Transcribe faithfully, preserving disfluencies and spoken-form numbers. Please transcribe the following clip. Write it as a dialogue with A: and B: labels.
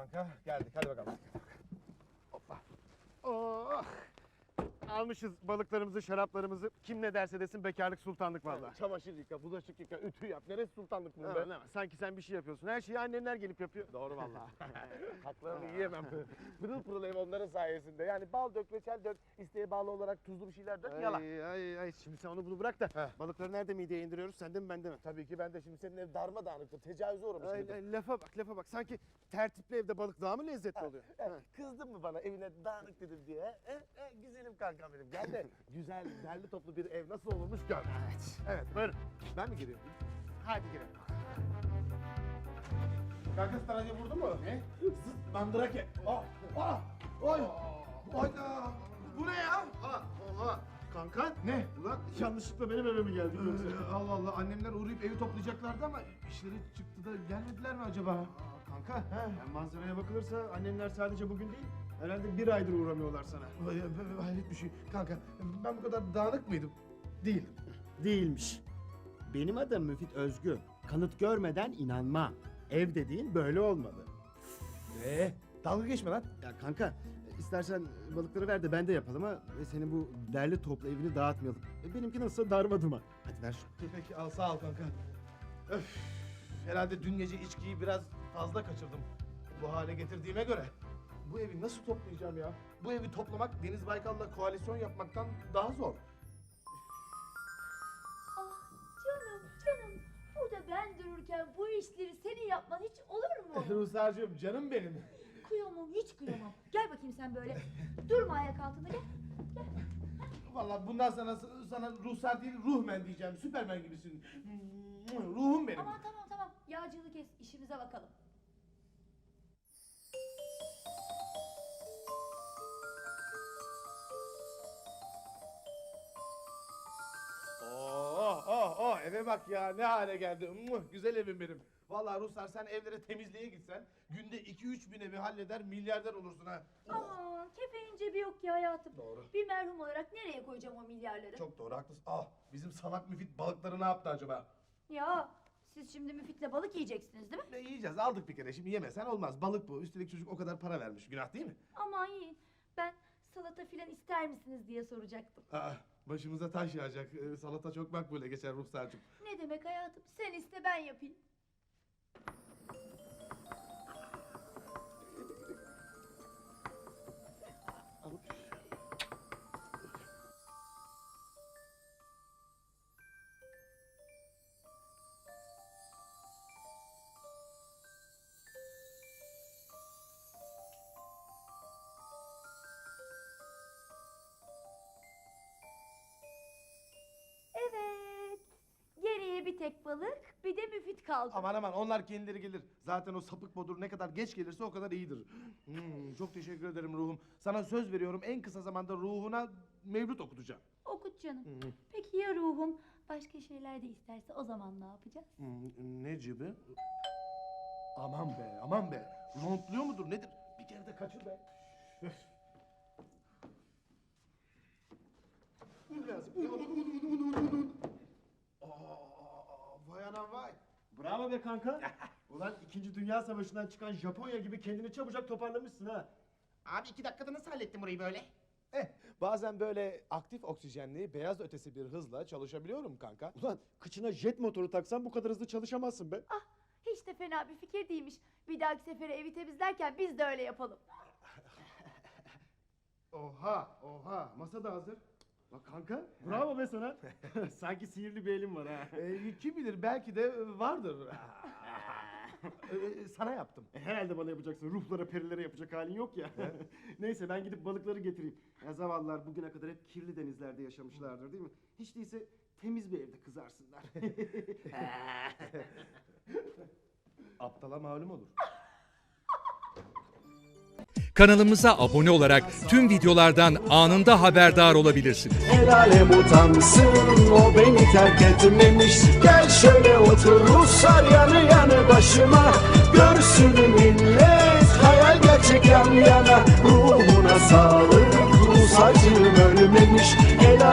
A: kanka. Geldik hadi bakalım. Hoppa.
B: Oh. Almışız balıklarımızı, şaraplarımızı. Kim ne derse desin bekarlık sultanlık vallahi.
A: Çamaşır yıka, bulaşık yıka, ütü yap. Neresi sultanlık bunun
B: Ha,
A: be?
B: ne var? Sanki sen bir şey yapıyorsun. Her şeyi annenler gelip yapıyor.
A: Doğru vallahi. Haklarını yiyemem. Pırıl pırıl ev onların sayesinde. Yani bal dök, reçel dök, isteğe bağlı olarak tuzlu bir şeyler dök, yalan.
B: Ay, ay, ay. Şimdi sen onu bunu bırak da
A: Heh.
B: balıkları nerede mideye indiriyoruz? Sende mi bende mi?
A: Tabii ki ben de şimdi senin ev darmadağınıktır, tecavüze uğramış
B: Ay,
A: mıydım?
B: ay, lafa bak lafa bak. Sanki tertipli evde balık daha mı lezzetli oluyor?
A: Ha,
B: Ha.
A: Kızdın mı bana evine dağınık dedim diye? He? He, güzelim kankam benim. Gel de güzel, derli toplu bir ev nasıl olurmuş gör.
B: Evet.
A: Evet.
B: Buyurun.
A: Ben mi giriyorum?
B: Hadi girelim.
A: Kanka staracı vurdu mu? Ne? Zıt mandrake. Ah, ah, oy. Oyda. Bu ne ya?
B: Oha, oha. Kanka
A: Ne?
B: ulan yanlışlıkla benim eve mi geldik yoksa?
A: Ee, Allah Allah, annemler uğrayıp evi toplayacaklardı ama işleri çıktı da gelmediler mi acaba?
B: Aa, kanka yani manzaraya bakılırsa annenler sadece bugün değil herhalde bir aydır uğramıyorlar sana.
A: Vay, vay, hayret bir şey. Kanka ben bu kadar dağınık mıydım? Değildim.
B: Değilmiş. Benim adım Müfit Özgü. Kanıt görmeden inanma. Ev dediğin böyle olmalı.
A: Ee, dalga geçme lan.
B: Ya kanka istersen balıkları ver de ben de yapalım ha. Ve senin bu derli toplu evini dağıtmayalım. E, benimki nasıl darma duman. Hadi ver şunu.
A: Peki al, sağ ol kanka. Öf, herhalde dün gece içkiyi biraz fazla kaçırdım. Bu hale getirdiğime göre. Bu evi nasıl toplayacağım ya? Bu evi toplamak Deniz Baykal'la koalisyon yapmaktan daha zor.
C: Ah canım canım. Burada ben dururken bu işleri senin yapman hiç olur mu?
A: Ruhsar'cığım canım benim.
C: Kıyamam hiç kıyamam. Gel bakayım sen böyle. Durma ayak altında gel.
A: Vallahi bundan sana sana Ruhsar değil Ruhmen diyeceğim. Süpermen gibisin. Ruhum benim.
C: Aman tamam tamam. Yağcılığı kes işimize bakalım.
A: Oh oh oh, eve bak ya, ne hale geldi. Muh, güzel evim benim. Vallahi Ruhsar, sen evlere temizliğe gitsen günde iki üç bin evi halleder, milyarder olursun ha.
C: Aman kefenin cebi yok ki hayatım.
A: Doğru.
C: Bir merhum olarak nereye koyacağım o milyarları?
A: Çok doğru, haklısın. Ah, bizim salak müfit balıkları ne yaptı acaba?
C: Ya siz şimdi müfitle balık yiyeceksiniz değil mi?
A: Ne yiyeceğiz, aldık bir kere, şimdi yemesen olmaz. Balık bu, üstelik çocuk o kadar para vermiş, günah değil mi?
C: Aman yiyin. Ben salata filan ister misiniz diye soracaktım.
A: Aa, başımıza taş yağacak. Ee, salata çok makbule geçer Ruhsar'cığım.
C: Ne demek hayatım? Sen iste ben yapayım. Evet. Geriye bir tek balık, bir de müfit kaldı.
A: Aman aman, onlar kendileri gelir. Zaten o sapık bodur ne kadar geç gelirse o kadar iyidir. Hmm, çok teşekkür ederim ruhum. Sana söz veriyorum, en kısa zamanda ruhuna mevlüt okutacağım.
C: Okut canım.
A: Hmm,
C: Peki ya ruhum başka şeyler de isterse o zaman ne yapacağız?
A: hmm, ne gibi? Aman be, aman be. Rontluyor mudur nedir? Bir kere de kaçır be. Öf. Un lazım. Un, un, un, un, un, un. Aa, vay anam vay.
B: Bravo be kanka. Ulan İkinci Dünya Savaşı'ndan çıkan Japonya gibi kendini çabucak toparlamışsın ha.
D: Abi iki dakikada nasıl hallettin burayı böyle?
A: Eh, bazen böyle aktif oksijenli, beyaz ötesi bir hızla çalışabiliyorum kanka.
B: Ulan kıçına jet motoru taksan bu kadar hızlı çalışamazsın be.
C: Ah hiç de fena bir fikir değilmiş. Bir dahaki sefere evi temizlerken biz de öyle yapalım.
B: Oha oha masa da hazır. Bak kanka bravo be sana. Sanki sihirli bir elin var ha.
A: Ee, kim bilir, belki de vardır. Ee, sana yaptım.
B: E, herhalde bana yapacaksın. Ruhlara perilere yapacak halin yok ya. Neyse ben gidip balıkları getireyim. Ya zavallılar bugüne kadar hep kirli denizlerde yaşamışlardır değil mi? Hiç değilse temiz bir evde kızarsınlar.
A: Aptala malum olur.
E: Kanalımıza abone olarak tüm videolardan anında haberdar olabilirsiniz.
F: El alem utansın, o beni terk etmemiş. Gel şöyle otur Ruslar yanı yanı başıma. Görsün millet hayal gerçek yan yana. Ruhuna sağlık, Rus acım ölmemiş. El